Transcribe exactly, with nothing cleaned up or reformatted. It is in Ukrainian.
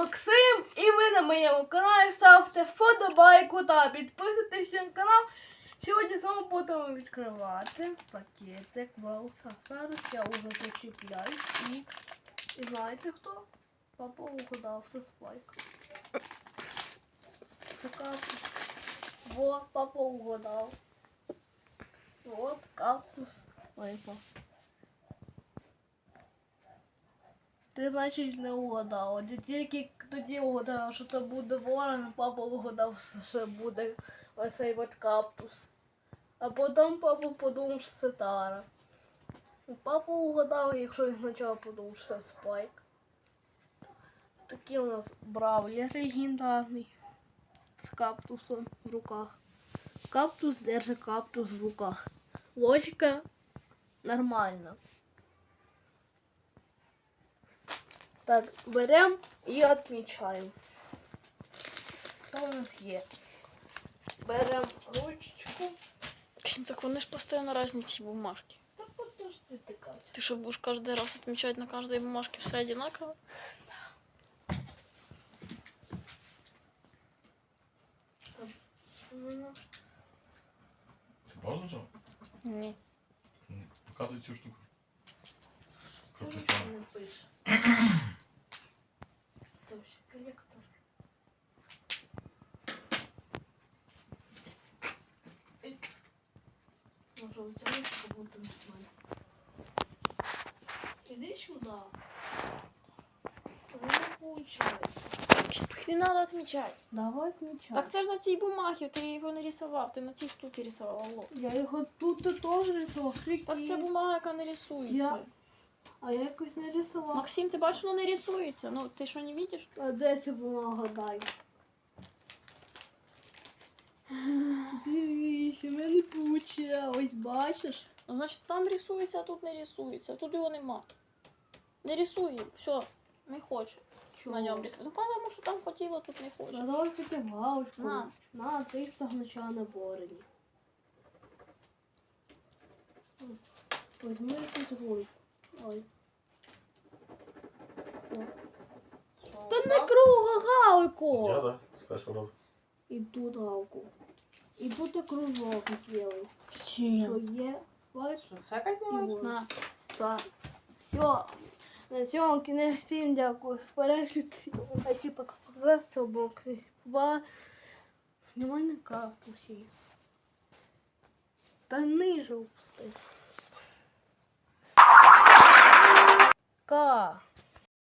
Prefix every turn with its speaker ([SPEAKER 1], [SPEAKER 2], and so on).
[SPEAKER 1] Максим, і ви на моєму каналі. Ставте вподобайку та підписуйтесь на канал. Сьогодні з вами будемо відкривати пакетик Валса. Зараз я вже зачіпляю і... І знаєте хто? Папа угадав, це Спайк. Це кактус. Во, папа угадав. Вот кактус випав. Ти, значить, не угадав. Ти тільки тоді угадав, що це буде ворон, папа угадав, що буде оцей от кактус. А потім папа подумав, що це Тара. Папа угадав, якщо він спочатку подумав, що це Спайк. Такий у нас бравлер легендарний. З кактусом в руках. Кактус держить кактус в руках. Логіка нормальна. Так, беремо і відмічаємо. Що у нас є? Беремо ручку.
[SPEAKER 2] Максим, так вони ж постійно різні ці бумажки.
[SPEAKER 1] Так подожди ти кажеш.
[SPEAKER 2] Ты что, будешь каждый раз отмечать на каждой бумажке все одинаково?
[SPEAKER 3] Ти паузу нажав?
[SPEAKER 2] Ні.
[SPEAKER 3] Показуй цю штуку.
[SPEAKER 1] Це
[SPEAKER 3] Крупний
[SPEAKER 1] нічого
[SPEAKER 3] план.
[SPEAKER 1] не пише. Це ще колектор. І- Може у цьому буде нормально. Іди сюди. Ви не получилось.
[SPEAKER 2] Их не надо отмечать.
[SPEAKER 1] Давай отмічай.
[SPEAKER 2] Так це ж на цій бумагі, ти його не рисував, ти на цій штуці рисував. Алло.
[SPEAKER 1] Я його тут і теж рисував.
[SPEAKER 2] Так це бумага, яка не рисується.
[SPEAKER 1] Я- А я якось не рисував.
[SPEAKER 2] Максим, ти бачиш, вона не рисується. Ну, ти що, не бачиш?
[SPEAKER 1] А де ця бумага дай? Дивись, у мене получилось, бачиш?
[SPEAKER 2] Ну, значить, там рисується, а тут не рисується. Тут його нема. Не рисує, все, не хоче на ньому рисувати. Ну, тому що там хотіло, тут не хоче.
[SPEAKER 1] Давай хотя галочку.
[SPEAKER 2] На.
[SPEAKER 1] На, триста гнуча на борені. Возьми тут руль. Ой. Та не круга галку!
[SPEAKER 3] Я, да? З першого разу.
[SPEAKER 1] І тут галку. І тут і кружок зробив.
[SPEAKER 2] Всі.
[SPEAKER 1] Що є? Спать?
[SPEAKER 2] Шака
[SPEAKER 1] знімаєш?
[SPEAKER 2] На.
[SPEAKER 1] Так. Все. На цьому кінець всім дякую. Перегляд. Хочу пока це був хтось. Ба. Немає на капусі. Та ниже опусти. Ка.